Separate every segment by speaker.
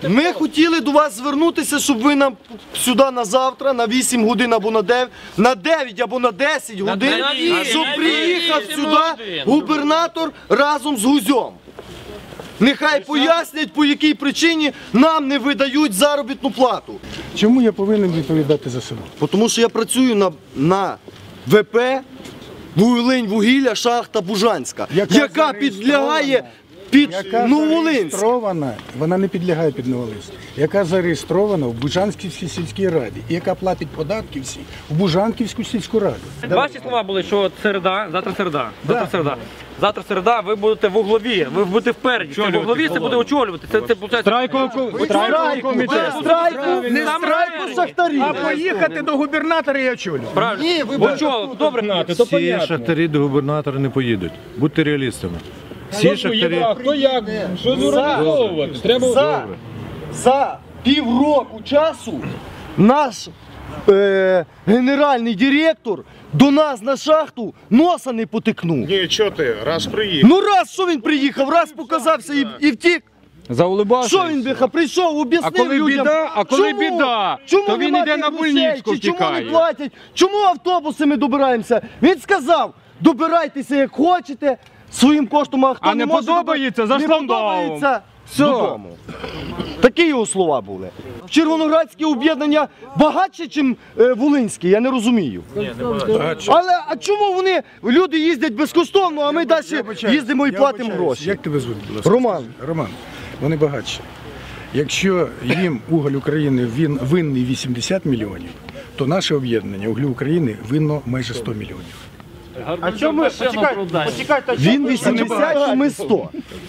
Speaker 1: Ми хотіли до вас звернутися, щоб ви нам сюди на завтра, на 8 годин або на 9 або на 10 годин, щоб приїхав сюди губернатор разом з Гузьом. Нехай пояснять, по якій причині нам не видають заробітну плату.
Speaker 2: Чому я повинен відповідати за себе?
Speaker 1: Тому що я працюю на ВП «Вуглинь-вугілля», шахта Бужанська, яка підлягає під Нововолинськ.
Speaker 2: Вона не підлягає під Нововолинськ. Яка зареєстрована в Бужанківській сільській раді і яка платить податки всі в Бужанківську сільську раду.
Speaker 3: Ваші слова були, що завтра середа. Завтра середа, ви будете в углові, ви будете впереді. В углові це буде очолювати. Це виходить...
Speaker 1: Не страйку шахтарів.
Speaker 2: А поїхати до губернатора і очолювати.
Speaker 3: Правильно. Добре.
Speaker 4: Всі шахтарі до губернатора не поїдуть. Будьте реалістами. Всі шахтарі...
Speaker 5: Хто як? Що зорганізовувати? Треба...
Speaker 1: За півроку часу наш генеральний директор до нас на шахту носа не потикнув.
Speaker 6: Ні, що ти, раз приїхав.
Speaker 1: Ну раз, що він приїхав, раз показався і втік.
Speaker 5: Заулибався.
Speaker 1: Що він прийшов, об'яснив людям,
Speaker 5: коли біда, то він йде на больничку,
Speaker 1: чому не
Speaker 5: втікає.
Speaker 1: платять, чому автобуси ми добираємося. Він сказав, добирайтеся як хочете, своїм коштом, а хто
Speaker 5: А не
Speaker 1: може
Speaker 5: подобається, за
Speaker 1: не
Speaker 5: штандалом.
Speaker 1: подобається, додому. Такі його слова були. Червоноградське об'єднання багатше, ніж Волинське, я не розумію. Але а чому люди їздять безкоштовно, а ми далі їздимо і платимо гроші?
Speaker 2: Як тебе звуть, будь ласка?
Speaker 1: Роман.
Speaker 2: Роман, вони багатші. Якщо їм Уголь України винний 80 мільйонів, то наше об'єднання Углю України винно майже 100 мільйонів.
Speaker 3: А чому почекайте?
Speaker 1: Він 80, а ми 100.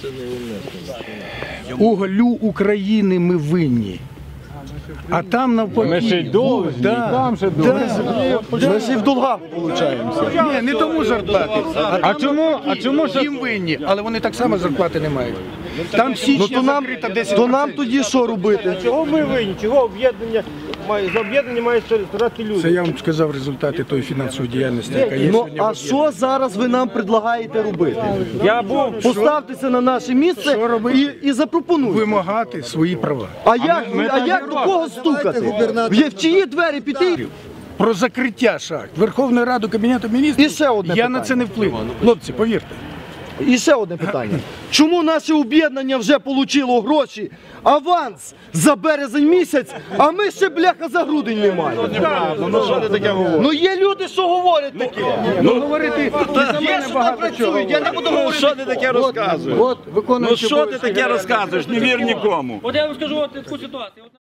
Speaker 2: Уголю України ми винні. А там навпаки.
Speaker 5: Ми ще й довгі, там ще довгі.
Speaker 1: Ми ж і в долгах получаємося.
Speaker 2: Ні, не тому зарплати.
Speaker 5: А чому ж...
Speaker 2: Їм винні, але вони так само зарплати не мають. Там січня закрита 10%.
Speaker 1: То нам тоді що робити?
Speaker 7: Чого ми винні? Чого об'єднання за об'єднання мають старати люди?
Speaker 2: Це я вам сказав результати тої фінансової діяльності, яка є
Speaker 1: Ну,
Speaker 2: сьогодні.
Speaker 1: а що зараз ви нам предлагаєте робити? Поставтеся на наше місце і запропонуйте.
Speaker 2: Вимагати свої права.
Speaker 1: А як до кого стукати? В чиї двері піти?
Speaker 2: Про закриття шахт Верховної Ради, Кабінету Міністрів,
Speaker 1: І ще одне
Speaker 2: я на
Speaker 1: питання.
Speaker 2: це не впливу. Хлопці, повірте.
Speaker 1: І ще одне питання. Чому наше об'єднання вже отримало гроші, аванс за березень місяць, а ми ще, бляха, за грудень не маємо? Ну є люди, що говорять таке.
Speaker 2: Ну, говорити,
Speaker 1: Є, що там працюють, я не буду говорити.
Speaker 6: Що ти таке розказуєш?
Speaker 2: от, виконуючи
Speaker 6: Що ти таке розказуєш? Не вір нікому.
Speaker 3: От я вам скажу таку ситуацію.